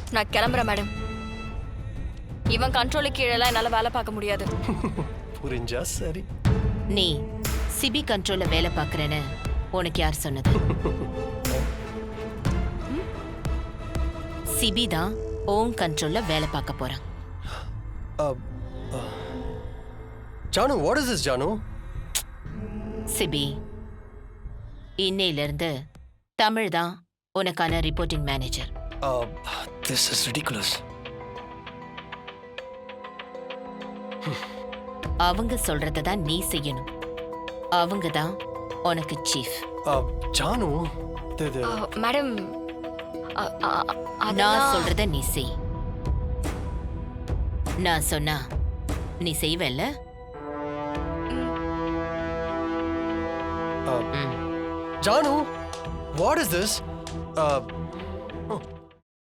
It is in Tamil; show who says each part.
Speaker 1: நான் கிளம்புறேன் மேடம். இவன் கண்ட்ரோலுக்கு கீழெல்லாம் என்னால வேலை பார்க்க முடியாது.
Speaker 2: புரிஞ்சா சரி.
Speaker 3: நீ சிபி கண்ட்ரோல்ல வேலை பார்க்கறேன்னு உனக்கு யார் சொன்னது? சிபி தான் ஓன் கண்ட்ரோல்ல வேலை பார்க்க போறான்.
Speaker 2: Janu, what is this Janu?
Speaker 3: Sibi, இன்னையில இருந்து தமிழ் தான் உனக்கான reporting manager.
Speaker 2: This is ridiculous.
Speaker 3: அவங்க சொல்றத தான் நீ செய்யணும். அவங்க தான் உனக்கு சீஃப்.
Speaker 2: ஜானு,
Speaker 1: மேடம்,
Speaker 3: நான் சொல்றத நீ செய். நான் சொன்னா நீ செய்வல்ல?
Speaker 2: Janu, what is this?